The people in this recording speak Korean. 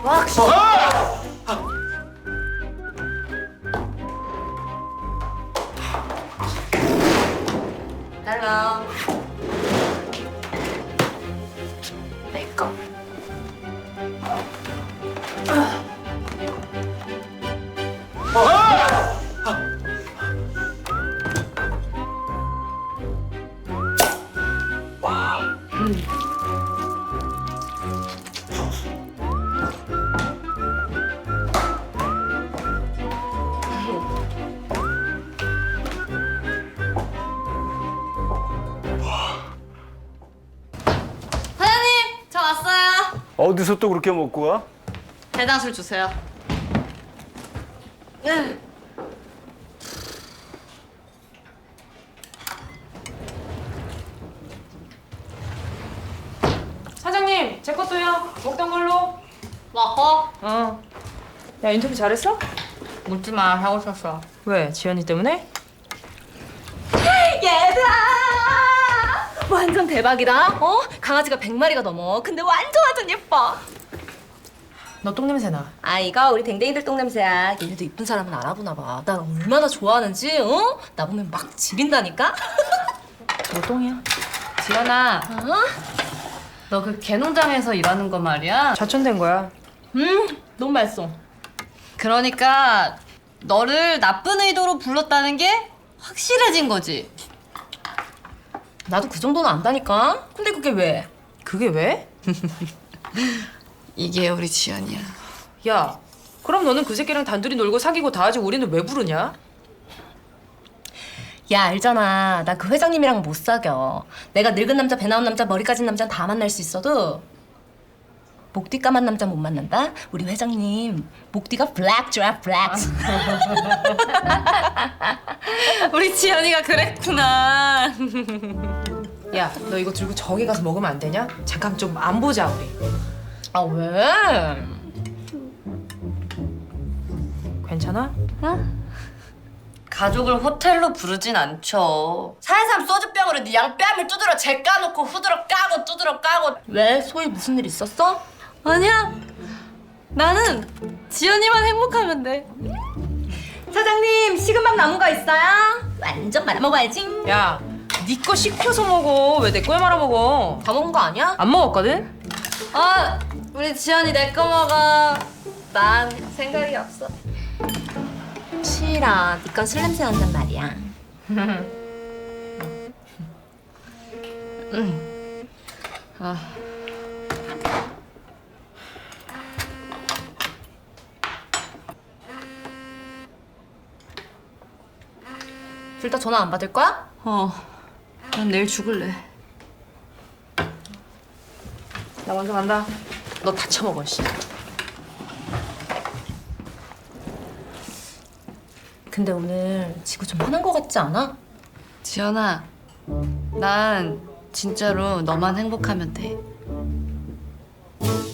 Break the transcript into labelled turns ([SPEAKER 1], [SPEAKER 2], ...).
[SPEAKER 1] 빡 씹어. 딸랑. 내 거.
[SPEAKER 2] 사장님, 저 왔어요.
[SPEAKER 3] 어디서 또 그렇게 먹고 와?
[SPEAKER 2] 대장술 주세요.
[SPEAKER 4] 사장님, 제 것도요. 먹던 걸로.
[SPEAKER 2] 먹어?
[SPEAKER 4] 어. 야, 인터뷰 잘했어?
[SPEAKER 2] 묻지 마, 하고 싶었어.
[SPEAKER 4] 왜? 지연이 때문에?
[SPEAKER 1] 얘들아! 완전 대박이다. 어? 강아지가 100마리가 넘어. 근데 완전 예뻐.
[SPEAKER 4] 너 똥냄새 나.
[SPEAKER 1] 아, 이거 우리 댕댕이들 똥냄새야. 얘네도 이쁜 사람은 알아보나 봐. 날 얼마나 좋아하는지, 어? 나 보면 막 지린다니까?
[SPEAKER 4] 너 똥이야.
[SPEAKER 2] 지연아,
[SPEAKER 1] 어?
[SPEAKER 2] 너 그 개농장에서 일하는 거 말이야?
[SPEAKER 4] 좌천된 거야.
[SPEAKER 1] 너무 맛있어.
[SPEAKER 2] 그러니까 너를 나쁜 의도로 불렀다는 게 확실해진 거지.
[SPEAKER 1] 나도 그 정도는 안다니까? 근데 그게 왜?
[SPEAKER 4] 그게 왜?
[SPEAKER 2] 이게 우리 지연이야.
[SPEAKER 4] 야, 그럼 너는 그 새끼랑 단둘이 놀고 사귀고 다 하지 우리는 왜 부르냐?
[SPEAKER 1] 야, 알잖아. 나 그 회장님이랑 못 사겨. 내가 늙은 남자, 배 나온 남자, 머리 까진 남자는 다 만날 수 있어도 목뒤 까만 남자 못 만난다? 우리 회장님 목뒤가 블랙이야, 블랙.
[SPEAKER 2] 우리 지연이가 그랬구나.
[SPEAKER 4] 야, 너 이거 들고 저기 가서 먹으면 안 되냐? 잠깐 좀 안 보자 우리.
[SPEAKER 1] 아, 왜?
[SPEAKER 4] 괜찮아?
[SPEAKER 2] 가족을 호텔로 부르진 않죠.
[SPEAKER 1] 사회삼 소주병으로 네 양뺨을 두드러 재 까놓고 후드러 까고 두드러 까고. 왜? 소희 무슨 일 있었어?
[SPEAKER 2] 아니야. 나는 지연이만 행복하면 돼.
[SPEAKER 1] 사장님, 식은밥 나무가 있어요? 완전 말아먹어야지.
[SPEAKER 4] 야, 네 거 식혀서 먹어. 왜 내 거에 말아 먹어?
[SPEAKER 1] 다 먹은 거 아니야?
[SPEAKER 4] 안 먹었거든?
[SPEAKER 2] 아, 우리 지연이 내 거 먹어. 난 생각이 없어.
[SPEAKER 1] 싫어. 네 건 술 냄새 난단 말이야. 둘 다 전화 안 받을 거야?
[SPEAKER 2] 난 내일 죽을래.
[SPEAKER 4] 나 먼저 간다. 너 다 처먹어, 씨.
[SPEAKER 1] 근데 오늘 지구 좀 화난 거 같지 않아?
[SPEAKER 2] 지연아, 난 진짜로 너만 행복하면 돼.